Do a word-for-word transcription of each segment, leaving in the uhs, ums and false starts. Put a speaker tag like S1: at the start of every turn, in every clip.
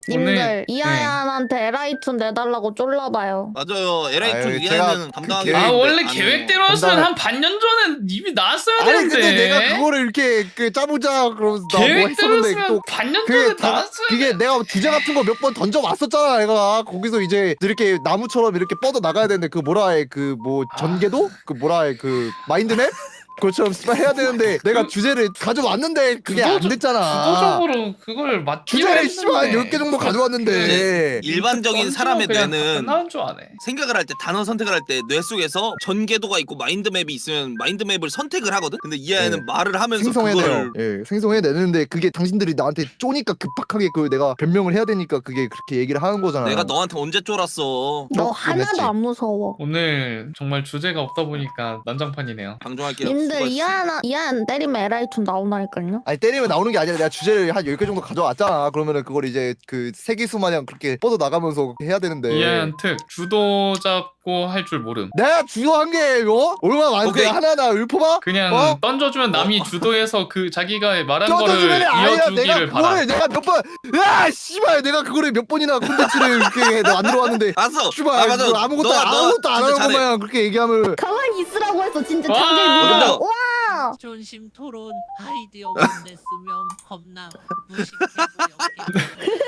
S1: 님들
S2: 오늘-
S1: 이하얀한테 에라이툰 내달라고 쫄라봐요.
S3: 맞아요.
S4: 아유,
S3: 엘에이 투
S4: 제가
S3: 이하는
S4: 그
S3: 감당하기
S4: 계획-
S2: 아
S3: 힘든데
S2: 원래
S3: 안 해요.
S2: 계획대로였으면
S4: 감당-
S2: 한 반년 전에 이미 나왔어야
S4: 아니
S2: 되는데.
S4: 근데 내가 그거를 이렇게 그 짜보자 그러면서 나 뭐 했었는데
S2: 계획대로였으면
S4: 또
S2: 반년
S4: 그게
S2: 전에
S4: 다
S2: 나왔어야
S4: 그게 내가 주제 같은 거 몇 번 던져 왔었잖아. 내가 거기서 이제 이렇게 나무처럼 이렇게 뻗어 나가야 되는데 그 뭐라 해 그 뭐 전개도 그 뭐라 해 그 마인드맵 그것처럼 씨발 해야 되는데 내가 주제를 가져왔는데 그게 안
S2: 주도적-
S4: 됐잖아.
S2: 주도적으로 그걸 맞추려
S4: 주제를 씨발 한 열 개 정도 가져왔는데
S3: 이제 일반적인 사람의 뇌는
S2: 나온 줄 아네.
S3: 생각을 할 때 단어 선택을 할 때 뇌 속에서 전개도가 있고 마인드맵이 있으면 마인드맵을 선택을 하거든. 근데 이하는
S4: 네.
S3: 말을 하면서
S4: 생성해내요.
S3: 그걸
S4: 예, 생성해내는데 그게 당신들이 나한테 쪼니까 급박하게 그 내가 변명을 해야 되니까 그게 그렇게 얘기를 하는 거잖아.
S3: 내가 너한테 언제 쫄았어.
S1: 너
S4: 좀
S1: 하나도
S4: 했지.
S1: 안 무서워.
S2: 오늘 정말 주제가 없다 보니까 난장판이네요.
S3: 방종할게요.
S1: 님들
S3: 수고했어.
S1: 이하얀 이하얀 때리면 에라이툰 나오나니까요.
S4: 아니 때리면 나오는 게 아니라 내가 주제를 한 열 개 정도 가져왔잖아. 그러면은 그걸 이제 그 세기수 마냥 그렇게 뻗어 나가면서 해야 되는데
S2: 이하얀 특 주도 잡고 할 줄 모름.
S4: 내가 주도한 게 어? 얼마나 많은데
S3: 오케이.
S4: 하나하나 읊어봐?
S2: 그냥
S4: 어?
S2: 던져주면 남이 주도해서 그 자기가 말한 거를
S4: 껴줘주면 아니야. 내가
S2: 이어주기를 바라.
S4: 그거를 내가 몇 번, 야 씨발 내가 그거를 몇 번이나 콘텐츠를 이렇게 만들어왔는데
S3: 알았어.
S4: 씨발
S3: 아, 맞아.
S4: 그거 아무것도
S3: 너가- 너가
S4: 아무것도 안
S3: 진짜
S4: 하는
S3: 잘해.
S4: 것만 그렇게 얘기하면
S1: 가만히 있으라고 해서 진짜
S2: 와!
S1: 자기
S3: 맞아.
S1: 믿어. 와.
S5: 존심 토론 아이디어 못 냈으면 겁나 무식해 보였겠네.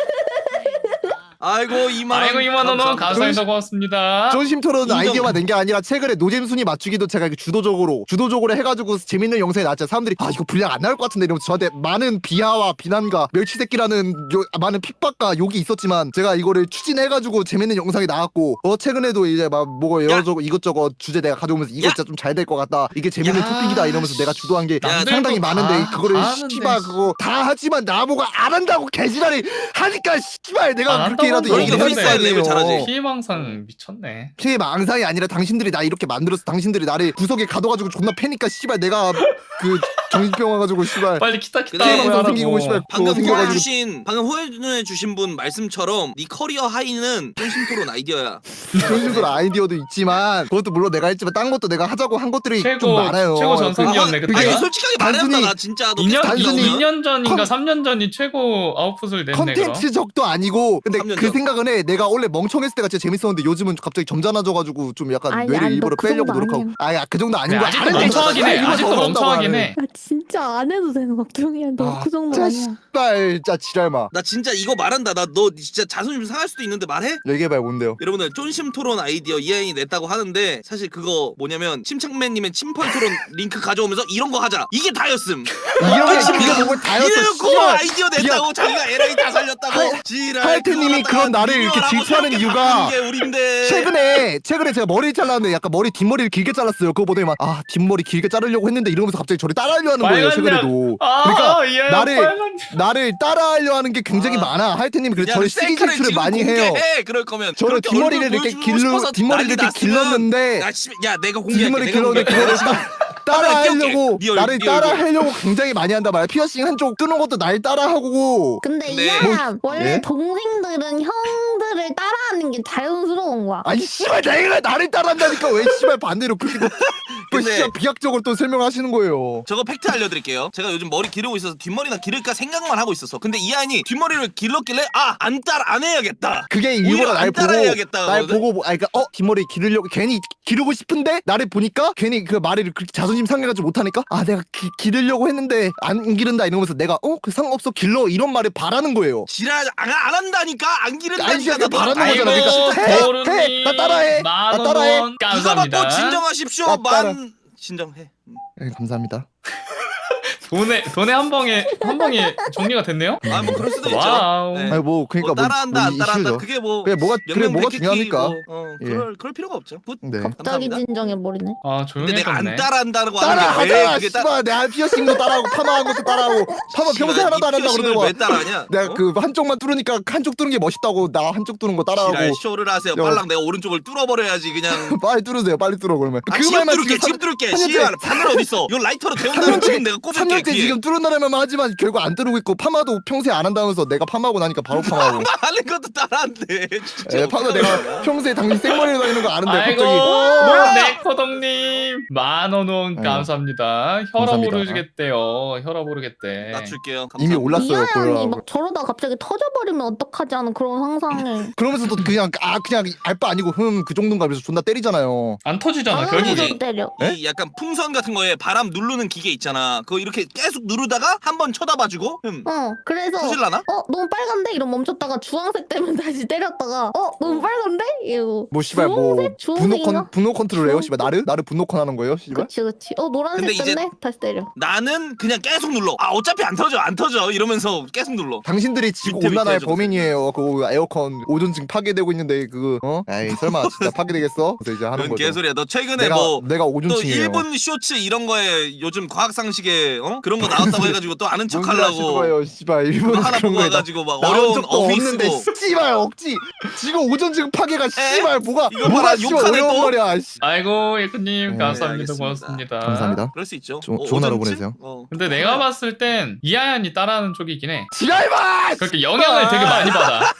S3: 아이고 이만 원.
S2: 아이고 이만 원은
S3: 감사합니다.
S2: 감사합니다. 고맙습니다.
S4: 존심 토론
S3: 인정.
S4: 아이디어만 낸 게 아니라 최근에 노잼 순위 맞추기도 제가 이렇게 주도적으로 주도적으로 해가지고 재밌는 영상이 나왔잖아요. 사람들이 아 이거 분량 안 나올 것 같은데 이러면서 저한테 많은 비하와 비난과 멸치새끼라는 요, 많은 핍박과 욕이 있었지만 제가 이거를 추진해가지고 재밌는 영상이 나왔고 어 최근에도 이제 막 뭐 여러저것 이것저것 주제 내가 가져오면서 이거
S3: 야.
S4: 진짜 좀 잘 될 것 같다 이게 재밌는
S2: 야.
S4: 토픽이다 이러면서 내가 주도한 게
S3: 야,
S4: 상당히
S2: 남들도
S4: 많은데
S2: 다-
S4: 그거를
S2: 다 하는데.
S4: 씨발 그거 다 하지만 나보고 안 한다고 개지랄이 하니까 씨발 내가
S2: 안
S4: 그렇게라도
S2: 한다고
S4: 얘기를
S2: 하는데.
S4: 했어야
S3: 프리스타일 랩을 잘하지.
S4: 돼요.
S2: 피해망상 미쳤네.
S4: 피해 망상이 아니라 당신들이 나 이렇게 만들어서 당신들이 나를 구석에 가둬가지고 존나 패니까 씨발 내가 그 정신병 와가지고 씨발
S2: 빨리 키타 키타
S3: 근데
S4: 피해 망상
S2: 하라고.
S4: 생기고 씨발
S3: 방금
S4: 그거 생겨가지고
S3: 호해주신 방금 호해주신 분 말씀처럼 네 커리어 하이는 쫀심토론 아이디어야.
S4: 정신들 아이디어도 있지만 그것도 물론 내가 했지만 딴 것도 내가 하자고 한 것들이 좀
S2: 최고
S4: 많아요.
S2: 최고 전성기였네
S4: 그게-
S3: 아니
S2: 그때가.
S3: 솔직하게 말해봤다
S4: 단순히
S3: 나 진짜 너
S2: 이 년
S4: 단순히
S2: 이 년 전인가
S4: 컨-
S2: 삼 년 전이 최고 아웃풋을 냈네 그럼.
S4: 컨텐츠적도 아니고 근데
S3: 삼 년
S4: 그
S3: 전.
S4: 생각은 해 내가 원래 멍청했을 때가 진짜 재밌었는데 요즘은 갑자기 점잖아져가지고 좀 약간
S1: 아니,
S4: 뇌를
S1: 아니,
S4: 일부러
S1: 너그
S4: 빼려고
S1: 정도
S4: 노력하고
S1: 아니야.
S4: 아야 그 정도 아닌
S2: 네,
S4: 거야.
S2: 아직도
S4: 안 할 때
S2: 멍청하긴 해.
S4: 이거
S2: 아직도
S4: 더
S2: 멍청하긴
S4: 하네.
S2: 해.
S1: 야 진짜 안 해도 되는 걱정이야. 너
S4: 아,
S1: 그 정도
S4: 진짜
S1: 아니야.
S4: 씨발 진짜 지랄마.
S3: 나 진짜 이거 말한다. 나 너 진짜 자존심 상할 수도 있는데 말해?
S4: 얘기해봐요 뭔데요?
S3: 여러분들 쫀심 토론 아이디어 이하인이 냈다고 하는데 사실 그거 뭐냐면 침착맨님의 침펄 토론 링크 가져오면서 이런 거 하자. 이게 다였음.
S4: 이런 게 이거 보고 다였어.
S3: 이래놓고
S4: 씨발.
S3: 아이디어 냈다고 자기가 에라이 다 살렸다고. 지랄.
S4: 하여튼님이
S3: 그거
S4: 그런
S3: 갖다가
S4: 나를 이렇게
S3: 미워라고
S4: 질투하는
S3: 저렇게
S4: 이유가
S3: 바꾸는 게 우린데.
S4: 최근에 최근에 제가 머리를 잘랐는데 약간 머리 뒷머리를 길게 잘랐어요. 그거 보더니 막아 뒷머리 길게 자르려고 했는데 이러면서 갑자기 저를 따라하려 하는 거예요.
S2: 빨간
S4: 최근에도.
S2: 아,
S4: 그러니까
S2: 이하얀
S4: 나를-
S2: 빨간
S4: 나를 따라하려 하는 게 굉장히
S3: 아.
S4: 많아. 하여튼님이 그래서
S3: 야,
S4: 저를
S3: 셀카를
S4: 시기 질투를
S3: 지금
S4: 많이 해요.
S3: 공개해. 그럴 거면
S4: 저를
S3: 그렇게
S4: 뒷머리를
S3: 얼굴
S4: 이렇게
S3: 보여주고
S4: 길러
S3: 싶어서
S4: 뒷머리를
S3: 난리
S4: 이렇게
S3: 났으면
S4: 길렀는데
S3: 야, 씨, 야 내가 공개할게.
S4: 뒷머리
S3: 내가
S4: 길렀는데
S3: 공개할게.
S4: 그거를 따, 따라하려고
S3: 띄울게. 네
S4: 나를
S3: 얼굴, 네 얼굴.
S4: 따라하려고 굉장히 많이 한단 말이야. 피어싱 한쪽 뚫는 것도 날 따라하고
S1: 근데
S3: 근데-
S1: 이하얀 원래
S4: 예?
S1: 동생들은 형들을 따라하는 게 자연스러운 거야.
S4: 아니 씨발 내가 나를 따라한다니까 왜 씨발 반대로 그렇게 또, 또
S3: 근데-
S4: 씨발 비약적으로 또 설명하시는 거예요.
S3: 저거 팩트 알려드릴게요. 제가 요즘 머리 기르고 있어서 뒷머리나 기를까 생각만 하고 있었어. 근데 이한이 뒷머리를 길렀길래 아 안 따라 안 해야겠다.
S4: 그게
S3: 오히려
S4: 일부러
S3: 안
S4: 날 보고
S3: 따라해야겠다
S4: 날
S3: 그러거든?
S4: 보고 뭐- 아니 그러니까 어 뒷머리 기르려고 괜히 기르고 싶은데 나를 보니까 괜히 그 말을 그렇게 자존심 상해가지고 못하니까 아 내가 기, 기르려고 했는데 안 기른다 이러면서 내가 어 그 상관없어 길러 이런 말을 바라는 거예요.
S3: 지랄 안, 안 한다니까 안 기른다니까.
S4: 아니, 진짜
S3: 나도
S4: 바라는
S3: 아이고,
S4: 거잖아. 그러니까 해,
S2: 도루님
S4: 해, 나 따라해, 나
S2: 만
S4: 따라해.
S2: 원
S3: 이거
S2: 감사합니다.
S3: 받고 진정하십시오.
S4: 나 따라.
S3: 만 진정해. 음.
S4: 네, 감사합니다.
S2: 돈에 돈에 한 방에 한 방에 정리가 됐네요.
S3: 아 뭐 그럴 수도 있죠.
S2: 와우.
S3: 네.
S4: 아니 뭐 그러니까
S3: 뭐 따라한다
S4: 뭐,
S3: 안 따라한다
S4: 이슈죠.
S3: 그게 뭐
S4: 그게 뭐가 그게 뭐가 중요합니까?
S3: 뭐, 어,
S4: 예.
S3: 그럴 그럴 필요가 없죠. 굿.
S4: 네.
S1: 갑자기
S3: 감사합니다.
S1: 진정해 버리네.
S2: 아
S3: 근데 내가 안
S2: 조용해졌네.
S3: 따라한다고 하는
S4: 따라하잖아.
S3: 게왜 그게 따
S4: 씨발 내가 피어싱도 따라하고 파마한 것도 따라하고 파마 평소에 하나도 안 한다고 그러더만.
S3: 왜 따라하냐?
S4: 내가
S3: 어?
S4: 그 한쪽만 뚫으니까 한쪽 뚫는 게 멋있다고 나 한쪽 뚫는 거 따라하고
S3: 지랄 쇼를 하세요.
S4: 야.
S3: 빨랑 내가 오른쪽을 뚫어버려야지 그냥.
S4: 빨리 뚫으세요 빨리 뚫어 그러면
S3: 아,
S4: 그
S3: 지금
S4: 말만
S3: 뚫을게
S4: 지금
S3: 지금 뚫을게
S4: 삼 년째-
S3: 씨발 바늘 어딨어 이거 라이터로
S4: 삼
S3: 데운다면
S4: 년째-
S3: 지금 내가
S4: 삼
S3: 꼽을게
S4: 년째 때
S3: 뒤에.
S4: 지금 뚫어나려면 하지만 결국 안 뚫고 있고 파마도 평소에 안 한다면서 내가 파마하고 나니까 바로 파마하고.
S3: 하는 것도 따라한대. 진짜.
S4: 예, 파마 내가 평소에 당신 생머리로 다니는 거 아는데
S2: 아이고
S4: 갑자기
S2: 네코동님 만원 원
S4: 아이고.
S2: 감사합니다. 혈압
S4: 감사합니다.
S2: 오르겠대요. 혈압 오르겠대.
S3: 낮출게요.
S4: 이미
S3: 감사합니다.
S4: 올랐어요.
S1: 이하연이
S4: 그러라고.
S1: 막 저러다 갑자기 터져버리면 어떡하지 하는 그런 상상을.
S4: 그러면서도 그냥 아 그냥 알바 아니고 흠 그 정도인가 그래서 존나 때리잖아요.
S2: 안 터지잖아
S1: 당연히
S2: 결국에.
S1: 좀 때려.
S3: 이 약간 풍선 같은 거에 바람 누르는 기계 있잖아. 그거 이렇게 계속 누르다가 한 번 쳐다봐주고 흠
S1: 어 그래서
S3: 터질라나?
S1: 어 너무 빨간데 이러면 멈췄다가 주황색 되면 다시 때렸다가 어 너무 빨간데 이거
S4: 뭐 씨발 뭐
S1: 주황색?
S4: 분노
S1: 주황색인가?
S4: 컨 분노 컨트롤해요
S1: 주황색?
S4: 씨발 나를 나를 분노 컨 하는 거예요 씨발.
S1: 그치 그치 어 노란색
S3: 근데 이제-
S1: 됐네 다시 때려.
S3: 나는 그냥 계속 눌러. 아 어차피 안 터져 안 터져 이러면서 계속 눌러.
S4: 당신들이 지구
S3: 밑에, 밑에
S4: 온난화의
S3: 해줘보세요.
S4: 범인이에요. 그 에어컨 오존층 파괴되고 있는데 그거 어? 에이 설마 진짜 파괴되겠어? 그래서 이제 하는
S3: 그런
S4: 거죠.
S3: 개소리야. 너 최근에
S4: 내가
S3: 뭐
S4: 내가
S3: 또
S4: 오존층이에요.
S3: 일본 쇼츠 이런 거에 요즘 과학상식에 어? 그런 거 나왔다고 해가지고 또 아는
S4: 뭔 소리 하시는
S3: 척하려고
S4: 거예요, 씨발
S3: 그거
S4: 일본
S3: 하나
S4: 그런
S3: 보고
S4: 거에 나-
S3: 와가지고 막
S4: 나온
S3: 어려운
S4: 적도
S3: 어휘
S4: 없는데
S3: 쓰고
S4: 씨발 억지 지금 오존층 파괴가 씨발 뭐가
S3: 이거
S4: 뭐가
S3: 봐라,
S4: 씨발
S3: 욕하네,
S4: 어려운
S3: 또.
S4: 말이야. 씨.
S2: 아이고 예쿠님
S4: 네,
S2: 감사합니다.
S3: 알겠습니다.
S2: 고맙습니다.
S4: 감사합니다.
S3: 그럴 수 있죠.
S4: 조- 좋은 하루
S3: 오전쯤?
S4: 보내세요.
S3: 어.
S2: 근데 내가 봤을 땐 이하얀이 따라하는 쪽이긴 해.
S4: 지랄마!
S2: 그렇게 영향을 되게 많이 받아.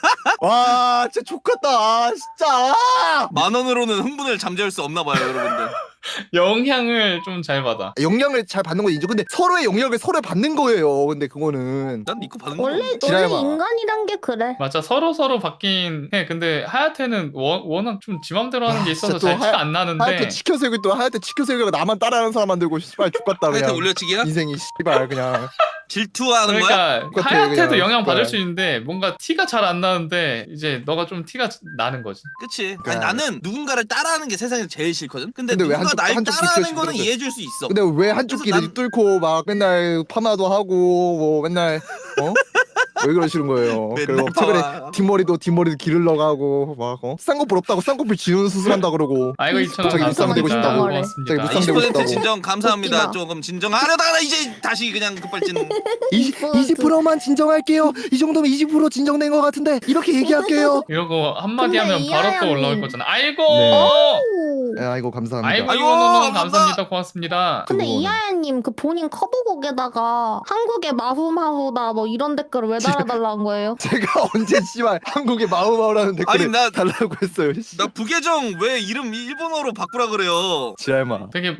S4: 와 진짜 좋겠다 아, 진짜.
S3: 만 원으로는 흥분을 잠재울 수 없나 봐요, 여러분들.
S2: 영향을 좀 잘 받아.
S4: 영향을 잘 받는 건 인정. 근데 서로의 영향을 서로 받는 거예요. 근데 그거는
S3: 난 니코 받는 거
S1: 원래
S3: 없는데.
S1: 원래
S4: 지랄마.
S1: 인간이란 게 그래.
S2: 맞아 서로 서로 받긴 해. 근데 하야테는 워, 워낙 좀 지맘대로 하는 게
S4: 아,
S2: 있어서
S4: 진짜
S2: 잘
S4: 또
S2: 티가 안 나는데.
S4: 하얗게 치켜세우고 또 하얗게 치켜세우고 나만 따라하는 사람 만들고 씨발 죽겠다
S3: 하여튼
S4: 그냥.
S3: 올려치기야?
S4: 인생이 씨발 그냥.
S3: 질투하는 거야?
S2: 그러니까
S4: 똑같아,
S2: 하야테도
S4: 그냥.
S2: 영향 받을
S4: 네.
S2: 수 있는데 뭔가 티가 잘 안 나는데 이제 너가 좀 티가 나는 거지.
S3: 그치. 아니,
S4: 그러니까.
S3: 나는 누군가를 따라하는 게 세상에서 제일 싫거든? 근데,
S4: 근데 왜
S3: 누가
S4: 한쪽-
S3: 날
S4: 한쪽
S3: 따라하는
S4: 지켜주면
S3: 거는
S4: 돼?
S3: 이해해줄 수 있어.
S4: 근데 왜 한쪽
S3: 그래서
S4: 길을
S3: 난-
S4: 뚫고 막 맨날 파마도 하고 뭐 맨날 어? 왜 그러시는 거예요?
S3: 맨날
S4: 그리고 최근에
S3: 파마.
S4: 뒷머리도 뒷머리도 기르러 가고 막 어? 쌍꺼풀 없다고 쌍꺼풀 지우는 수술한다 그러고
S2: 아이고 이천 원
S4: 갑자기 무쌍 되고
S2: 감사합니다.
S4: 싶다고.
S2: 고맙습니다.
S4: 갑자기 무쌍
S3: 이십
S4: 되고
S3: 퍼센트
S4: 싶다고.
S3: 진정 감사합니다.
S1: 웃기다.
S3: 조금 진정하려다가 이제 다시 그냥 급발진.
S4: 이십 퍼센트만 진정할게요. 이 정도면 이십 퍼센트 진정된 것 같은데 이렇게 얘기할게요.
S2: 이러고 한마디
S1: 근데
S2: 하면 바로 또
S1: 이하얀이-
S2: 올라올 거잖아. 아이고.
S4: 네.
S1: 오.
S4: 네, 아이고 감사합니다.
S2: 아이고
S3: 아이고,
S2: 이거 너무
S3: 감사합니다.
S2: 감사합니다. 고맙습니다.
S1: 근데
S4: 그거는.
S1: 이하연님 그 본인 커브곡에다가 한국의 마후마후다 뭐 이런 댓글을 왜 달아달라는 거예요?
S4: 제가 언제 씨발 한국의 마우마우라는 댓글을
S3: 아니, 나-
S4: 달라고 했어요. 씨.
S3: 나 부계정 왜 이름 일본어로 바꾸라 그래요?
S4: 지랄마.
S2: 되게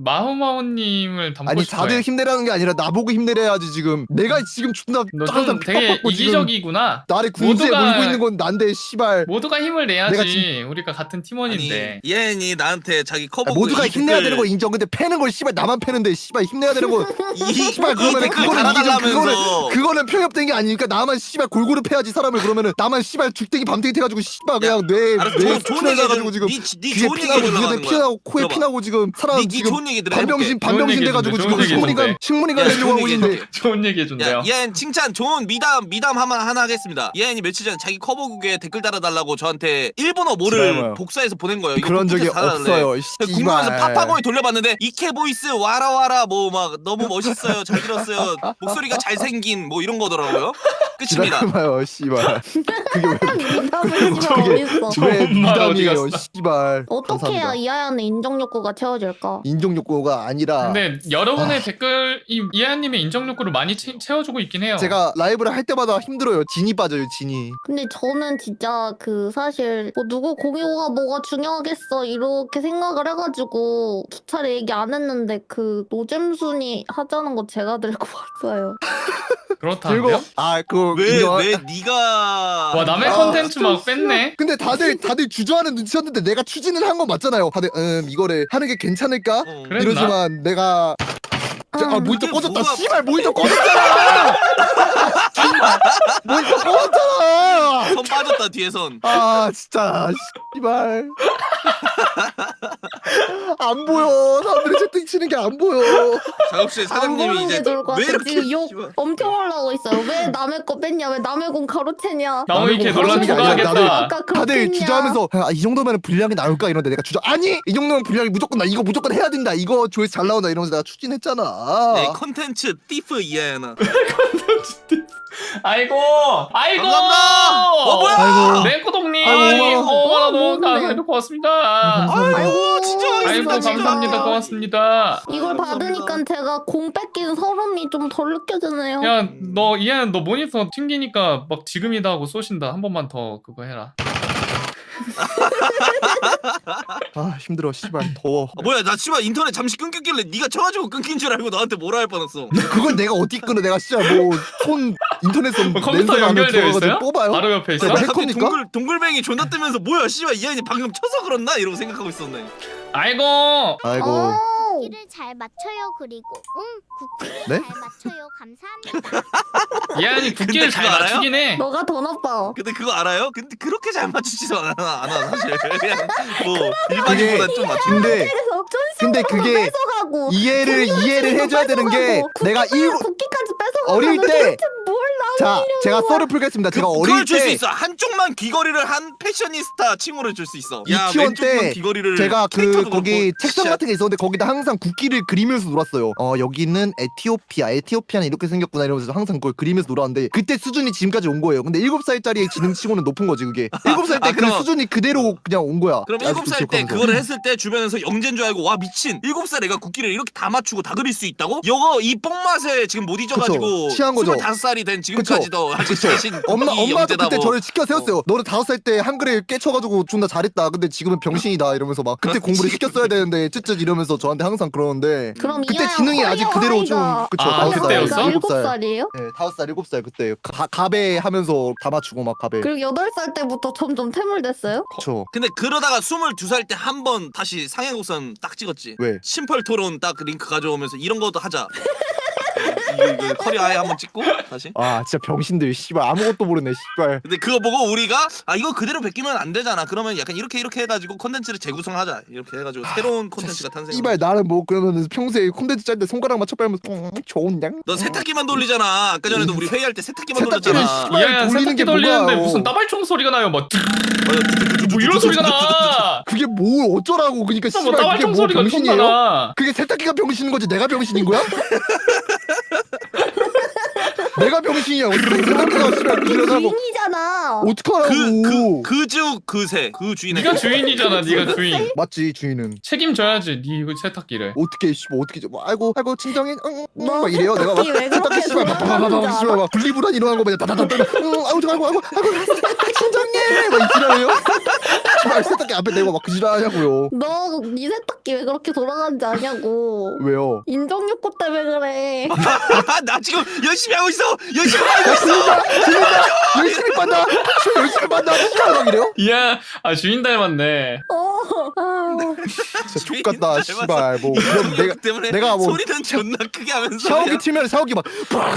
S2: 마호마호님을 닮고
S4: 아니
S2: 싶어.
S4: 다들 힘내라는 게 아니라 나보고 힘내래야지 지금. 내가 지금 존나
S2: 너좀
S4: 항상
S2: 되게
S4: 핍박받고 지금
S2: 이기적이구나.
S4: 나를 궁지에
S2: 모두가-
S4: 몰고 있는 건 난데 씨발.
S2: 모두가 힘을 내야지.
S4: 내가
S2: 우리가 같은
S3: 아니
S2: 팀원인데.
S3: 예은이 나한테 자기 커버
S4: 아, 모두가 힘내야 되는 거 인정. 근데 패는 걸 씨발 나만 패는데 씨발 힘내야 되는 거
S3: 이
S4: 씨발 그러면
S3: 댓글
S4: 그거는 이기적
S3: 달아달라면서.
S4: 그거는 그거는 편협된 게 아니니까 나만 씨발 골고루 패야지 사람을. 그러면은 나만 씨발 죽대기 밤대기 태가지고 씨발 그냥 뇌
S3: 알았어,
S4: 뇌
S3: 좋은, 좋은
S4: 수출해
S3: 얘기
S4: 가지고 지금
S3: 니, 니
S4: 귀에
S3: 좋은 얘기
S4: 피나고
S3: 해주려고
S4: 눈에
S3: 하는 거야.
S4: 피나고 코에
S3: 들어봐.
S4: 피나고 지금 사람
S3: 니, 니
S4: 지금
S3: 좋은 얘기들
S4: 반병신
S3: 해볼게.
S4: 반병신
S2: 좋은
S4: 돼가지고
S2: 얘기
S4: 지금
S2: 해준대, 좋은
S4: 식물인간
S2: 얘기
S4: 식물인간
S3: 야,
S4: 되려고
S3: 좋은
S4: 하고
S3: 얘기
S4: 있는데.
S3: 해줄게.
S2: 좋은 얘기 해준대요.
S3: 야, 예은 칭찬 좋은 미담 미담 하나 하나 하겠습니다. 예은이 며칠 전에 자기 커버국에 댓글 달아달라고 저한테 일본어 모를
S4: 지랄마요.
S3: 복사해서 보낸 거예요. 이거
S4: 그런 적이
S3: 컴퓨터에서 달아달래.
S4: 없어요.
S3: 궁금해서
S4: 씨발.
S3: 파파고에 돌려봤는데 이케 보이스 와라 와라 뭐 막 너무 멋있어요 잘 들었어요 목소리가 잘생긴 뭐 이런 거더라고요. 끝입니다.
S4: 지랄마요 씨발. 그게 왜
S1: 미담을 씨발
S4: 그게-
S1: 어딨어?
S4: 왜
S2: 좋은 말 어디
S4: 미담이에요
S2: 갔어?
S4: 씨발.
S1: 어떻게 해야
S4: 감사합니다.
S1: 이하연의 인정 욕구가 채워질까?
S4: 인종 욕구가 아니라
S2: 근데 여러분의 댓글이 이하님의 인정 욕구를 많이 채, 채워주고 있긴 해요.
S4: 제가 라이브를 할 때마다 힘들어요. 진이 빠져요 진이.
S1: 근데 저는 진짜 그 사실 뭐 누구 공유가 뭐가 중요하겠어 이렇게 생각을 해가지고 기차를 얘기 안 했는데 그 노잼순이 하자는 거 제가 들고 왔어요.
S2: 그렇다는데요?
S4: 그리고 아그
S3: 왜
S4: 인정.
S3: 왜 네가
S2: 와 남의
S4: 아,
S2: 컨텐츠 막 뺐네.
S4: 근데 다들 다들 주저하는 눈치였는데 내가 추진을 한 건 맞잖아요. 다들 음 이거를 하는 게 괜찮을까?
S3: 어.
S2: 그랬나?
S4: 이러지만 내가 자, 아
S1: 음.
S4: 모니터
S3: 그게
S4: 꺼졌다.
S3: 뭐가-
S4: 씨발 모니터 꺼졌잖아. 모니터 꺼졌잖아.
S3: 선 빠졌다 뒤에선.
S4: 아 진짜 씨발 안 보여. 사람들이 채팅 치는 게 안 보여.
S3: 작업실
S1: 안
S3: 사장님이
S1: 보는
S3: 이제
S1: 게 좋을 것
S3: 왜
S1: 같아.
S3: 이렇게
S1: 지금 욕
S3: 씨발.
S1: 엄청 하려고 있어요. 왜 남의 거 뺐냐? 왜 남의 공 가로채냐?
S2: 나무 이렇게
S4: 나무
S2: 논란
S4: 가로채는 게 아니라
S2: 추가하겠다.
S1: 아까 그렇게
S4: 다들
S1: 했냐?
S4: 주저하면서 아, 이 정도면 분량이 나올까 이런데 내가 주저 아니 이 정도면 분량이 무조건 나 이거 무조건 해야 된다. 이거 조회수 잘 나온다 이러면서 내가 추진했잖아.
S3: 네, 컨텐츠 띠프 이해나.
S2: 아이고, 아이고.
S3: 감사합니다. 어 뭐야?
S4: 아이고.
S2: 네코동님,
S4: 아이고,
S2: 오만 원
S1: 어,
S2: 너무
S1: 뭐, 덕분에.
S2: 사이버 고맙습니다.
S3: 아이고 진정하겠습니다.
S2: 아이고 감사합니다. 고맙습니다.
S1: 이걸 받으니까 제가 공 뺏긴 서름이 좀 덜 느껴지네요.
S2: 야, 너 이해는 너 모니터 튕기니까 막 지금이다 하고 쏘신다. 한 번만 더 그거 해라.
S4: 아 힘들어 씨발 더워.
S3: 아, 뭐야 나 씨발 인터넷 잠시 끊겼길래 네가 쳐가지고 끊긴 줄 알고 너한테 뭐라 할 뻔했어.
S4: 그걸 내가 어떻게 끊어? 내가 진짜 뭐 손 인터넷선
S2: 컴퓨터 연결되어 있어요?
S4: 뽑아요.
S2: 바로 옆에 있어?
S4: 네,
S3: 갑자기
S4: 해커입니까?
S3: 동글 동글뱅이 존나 뜨면서 뭐야 씨발 이 아이 방금 쳐서 그렇나 이러고 생각하고 있었네.
S2: 아이고.
S4: 아이고.
S1: 어.
S6: 쿠키를 잘 맞춰요. 그리고 응 쿠키를
S4: 네?
S6: 잘 맞춰요. 감사합니다.
S2: 얘아니 국기를
S3: 근데
S2: 잘
S3: 그거 알아요?
S2: 맞추긴 해.
S1: 너가 더 나빠.
S3: 근데 그거 알아요? 근데 그렇게 잘 맞추지도 않아 않아 사실. 그냥 뭐 일반인보다 좀 맞추.
S4: 근데
S1: 그래서
S4: 근데 그게
S1: 뺏어가고
S4: 이해를 이해를 해줘야 되는 게 내가 일곱
S1: 쿠키까지 뺏어가고
S4: 어릴 때
S1: 뭘
S4: 자 제가 썰을 풀겠습니다. 제가
S3: 그,
S4: 어릴
S3: 그걸 줄 수
S4: 때
S3: 있어. 한쪽만 귀걸이를 한 패셔니스타 칭호를 줄 수 있어. 야
S4: 유치원
S3: 왼쪽만
S4: 때
S3: 귀걸이를
S4: 제가 그
S3: 캐릭터도
S4: 거기
S3: 그렇고,
S4: 책상
S3: 진짜.
S4: 같은 게 있었는데 거기다 항상 국기를 그리면서 놀았어요. 어 여기는 에티오피아, 에티오피아는 이렇게 생겼구나 이러면서 항상 그걸 그리면서 놀았는데 그때 수준이 지금까지 온 거예요. 근데 일곱 살짜리의 지능치고는 높은 거지 그게. 일곱 살 때
S3: 아,
S4: 그
S3: 그럼-
S4: 수준이 그대로 그냥 온 거야.
S3: 그럼
S4: 아직도
S3: 일곱 살 때
S4: 기억하면서.
S3: 그거를 했을 때 주변에서 영재인 줄 알고 와 미친 일곱 살 애가 국기를 이렇게 다 맞추고 다 그릴 수 있다고? 이거 이 뽕맛에 지금 못 잊어가지고
S4: 그쵸, 취한 거죠.
S3: 스물다섯 살이 된 지금까지도 아직
S4: 그쵸.
S3: 자신
S4: 엄마
S3: 국기
S4: 엄마도
S3: 영재다
S4: 그때
S3: 뭐.
S4: 저를 시켜 세웠어요. 너는 다섯 살 때 한글에 깨쳐가지고 존나 잘했다. 근데 지금은 병신이다 이러면서 막 그때 공부를 시켰어야 되는데 쯧쯧 이러면서 저한테 항상 그러는데
S1: 그럼
S4: 그때
S1: 이하영
S4: 지능이 아직
S1: 커리어
S4: 그대로 좀
S1: 하이가-
S4: 그쵸
S2: 아,
S4: 다섯 살,
S2: 그때였어?
S4: 일곱 살.
S1: 살이에요?
S4: 네, 다섯 살, 일곱 살 그때 가, 가베 하면서 다 맞추고 막 가베.
S1: 그리고 여덟 살 때부터 점점 태물됐어요?
S4: 그쵸.
S3: 근데 그러다가 스물두 살 때 한 번 다시 상해곡선 딱 찍었지.
S4: 왜?
S3: 심펄 토론 딱 링크 가져오면서 이런 것도 하자. 이거, 이거 커리어 아예 한번 찍고 다시.
S4: 아 진짜 병신들 씨발 아무것도 모르네 씨발.
S3: 근데 그거 보고 우리가 아 이거 그대로 베끼면 안 되잖아. 그러면 약간 이렇게 이렇게 해가지고 콘텐츠를 재구성하자. 이렇게 해가지고 새로운 콘텐츠가 탄생.
S4: 씨발 나는 뭐 그러면 평소에 콘텐츠 짤 때 손가락 맞춰 빨면서 음, 좋은 양.
S3: 너 세탁기만 돌리잖아. 아까 전에도 우리 회의할 때 세탁기만
S4: 세탁기를
S3: 돌렸잖아.
S4: 씨발
S2: 이하야
S4: 돌리는
S2: 세탁기
S4: 게
S2: 돌리는데
S4: 뭐야,
S2: 무슨
S4: 어.
S2: 따발총 소리가 나요. 뭐,
S3: 맞아.
S2: 뭐 이런 소리가 나.
S4: 그게 뭐 어쩌라고 그러니까
S2: 뭐
S4: 씨발 그게
S2: 따발총
S4: 뭐
S2: 소리가
S4: 병신이에요?
S2: 나.
S4: 그게 세탁기가 병신인 거지 내가 병신인 거야? 내가 병신이야. 어떻게 세탁기가 씨발 부실하다고
S1: 주인이잖아.
S4: 어떡하라고.
S3: 그, 그, 그주 그새 그 주인의
S2: 네가 주인이잖아. 네가 주인.
S4: 맞지 주인은.
S2: 책임져야지. 네 세탁기를.
S4: 어떻게 씨발 어떻게 좀 아이고 아이고 친정이 응, 응,
S1: 너
S4: 막 이래요 내가 막
S1: 세탁기 왜 그렇게
S4: 씨발 막
S1: 돌아가는지
S4: 바바바바 씨발 막 분리불안 일어난 거 마냥 다다다다 응 아이고 아이고 아이고 아이고 친정님 막 이지랄해요. 씨발 세탁기 앞에 대고 막 그지랄하냐고요.
S1: 너네 세탁기 왜 그렇게 돌아가는지 아냐고.
S4: 왜요?
S1: 인정욕구 때문에 그래.
S3: 나 지금 열심히 하고 있어. 열심히 하고 있어.
S4: 열심히 빤다 씨발 열심히 빤다 씨발 막 이래요?
S2: 이야, 아 주인 닮았네.
S1: 어. 아.
S4: 진짜 족같다 씨발 뭐 그럼 내가
S3: 때문에
S4: 내가 뭐
S3: 소리는 존나 크게 하면서
S4: 샤워기
S3: 그냥
S4: 틀면 샤워기 막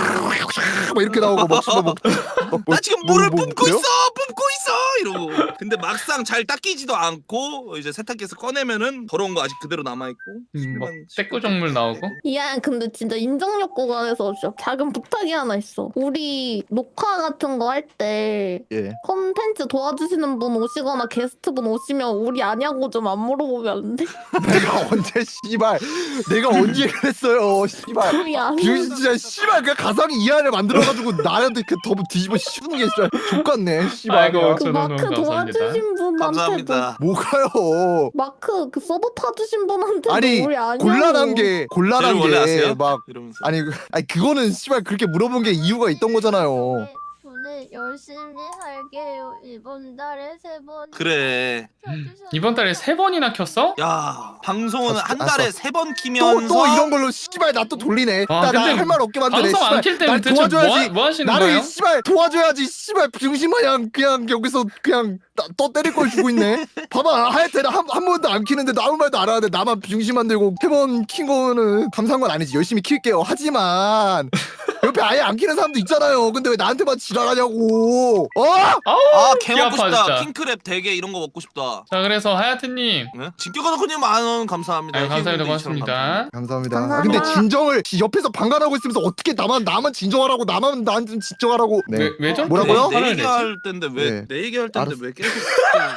S4: 막 이렇게 나오고 막 씨발 막 뭐,
S3: 나 지금
S4: 뭐,
S3: 물을
S4: 뭐,
S3: 뿜고
S4: 그래요?
S3: 있어 뿜고 있어 이러고 근데 막상 잘 닦이지도 않고 이제 세탁기에서 꺼내면은 더러운 거 아직 그대로 남아있고
S2: 음, 막 떼꾸정물 나오고.
S1: 야, 근데 진짜 인정욕구가 해서 진짜 작은 부탁이 하나 있어. 우리 녹화 같은 거 할 때
S4: 예.
S1: 콘텐츠 도와주시는 분 오시거나 게스트분 오시면 우리 아냐고 좀 안 물어보면 안 돼?
S4: 내가 언제 씨발 내가 언제 그랬어요 씨발
S1: 우리 아냐.
S4: 진짜 씨발 그 가상의 이하를 만들어가지고 나한테 그 더 뒤집어 씌우는 게 진짜 족같네 씨발
S2: 아이고,
S4: 그냥.
S1: 그
S2: 저는
S1: 마크
S2: 감사합니다.
S1: 도와주신 분한테도
S3: 감사합니다.
S4: 뭐가요
S1: 마크 그 서버 타주신 분한테도
S4: 아니
S1: 우리 아냐고.
S4: 곤란한 게 곤란한
S3: 저를 원래 아세요?
S4: 게 막
S3: 이러면서
S4: 아니 그- 아니 그거는 씨발 그렇게 물어본 게 이유가 있던 거잖아요.
S6: 오늘 열심히 할게요. 이번 달에 세 번.
S3: 그래
S2: 이번 달에 세 번이나 켰어?
S3: 야 방송은
S4: 아,
S3: 한
S4: 아,
S3: 달에
S4: 아,
S3: 세 번
S4: 또
S3: 키면서
S4: 또 이런 걸로 씨발 나 또 돌리네.
S2: 아,
S4: 나
S2: 근데
S4: 할 말 없게 만드네.
S2: 방송 안
S4: 씨발.
S2: 킬 때는
S4: 날
S2: 대체 뭐,
S4: 도와줘야지.
S2: 하- 뭐 하시는
S4: 나를
S2: 거예요?
S4: 씨발 도와줘야지 씨발 병신 마냥 그냥 여기서 그냥 나, 떠 때릴 걸 주고 있네. 봐봐 하여튼 한, 한 번도 안 키는데 아무 말도 안 하는데 나만 병신 만들고 세 번 킨 거는 감사한 건 아니지. 열심히 킬게요. 하지만 옆에 아예 안 키는 사람도 있잖아요. 근데 왜 나한테만 지랄하냐고. 어?
S2: 아우,
S3: 아개
S2: 귀
S3: 먹고
S2: 아파,
S3: 싶다
S2: 진짜.
S3: 킹크랩 대게 이런 거 먹고 싶다
S2: 자, 그래서 하야트님.
S3: 네? 진격가덕님 만원 감사합니다.
S2: 아유, 감사합니다.
S3: 힐링도 이천원
S2: 고맙습니다.
S4: 감사합니다.
S1: 감사합니다.
S4: 아, 근데 진정을 옆에서 방관하고 있으면서 어떻게 나만 나만 진정하라고 나만 나한테 진정하라고. 네.
S2: 왜, 왜 저렇게
S4: 뭐라고요?
S3: 내
S2: 화를
S3: 얘기
S2: 내지?
S3: 할 텐데 왜
S4: 네.
S3: 내 얘기 할 텐데
S4: 알았어.
S3: 왜 계속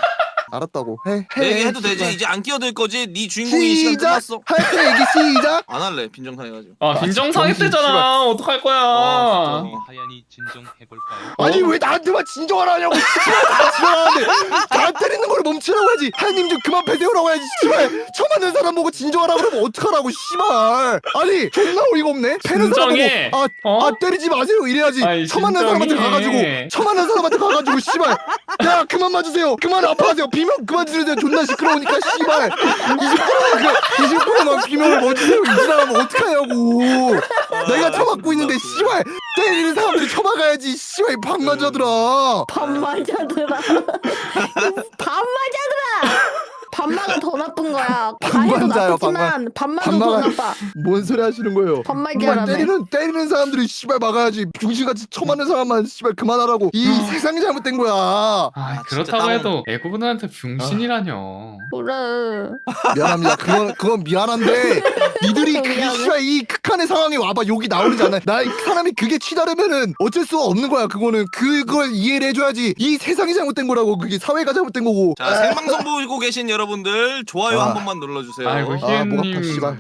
S4: 알았다고 해.
S3: 내
S4: 해.
S3: 얘기 해도 되지?
S4: 씨발.
S3: 이제 안 끼어들 거지? 네 주인공이 시간
S4: 시작.
S3: 끝났어.
S4: 할때 얘기 시작.
S3: 안 할래 빈정상 해가지고.
S2: 아
S4: 아,
S2: 빈정상했
S4: 정신
S2: 대잖아. 어떡할 거야.
S3: 아, 진짜.
S7: 하얀이 진정해볼까요?
S4: 아니 왜 나한테만 진정하라 하냐고. 씨발 다 진정하는데 나 때리는 걸 멈추라고 해야지. 하나님 좀 그만 패세요라고 해야지. 씨발 처음 만난 사람 보고 진정하라 그러면 어떡하라고 씨발. 아니 존나 어이가 없네. 패는 사람
S2: 진정해.
S4: 보고 아,
S2: 어?
S4: 아 때리지 마세요 이래야지.
S2: 아이,
S4: 처음 만난 사람한테
S2: 진정해.
S4: 가가지고 처음 만난 사람한테 가가지고 씨발 야 그만 맞으세요. 그만 아파하세요. 비명 그만 지르세요. 존나 시끄러우니까 씨발 이십 퍼센트만 비명을 멈추세요. 이 사람은 어떡하냐고. 내가 처맞고 있는데 씨발 때리는 사람들이 처박아야지. 씨발 이 방관자들아.
S1: 반마자들아. 반마자들아. 반마가 더 나쁜 거야. 다 해도
S4: 반마자요,
S1: 나쁘지만 반마도 더
S4: 반마가-
S1: 나빠.
S4: 뭔 소리 하시는 거예요?
S1: 반말자라며.
S4: 때리는 때리는 사람들이 씨발 막아야지. 중신같이 처맞는 사람만 씨발 그만하라고. 이 세상이 잘못된 거야.
S2: 아,
S3: 아,
S2: 그렇다고
S3: 진짜 땀-
S2: 해도 애고분한테 병신이라뇨.
S1: 그래.
S4: 미안합니다. 그건 그건 미안한데 니들이 그
S1: 미안해.
S4: 씨발 이 극한의 상황에 와봐 욕이 나오지 않아. 나이 사람이 그게 치다르면은 어쩔 수가 없는 거야. 그거는 그걸 이해를 해줘야지. 이 세상이 잘못된 거라고. 그게 사회가 잘못된 거고.
S3: 자 생방송 보고 계신 여러분들 좋아요
S4: 아.
S3: 한 번만 눌러주세요.
S2: 아이고
S4: 아, 목 아파,
S2: 희애님
S4: 씨발.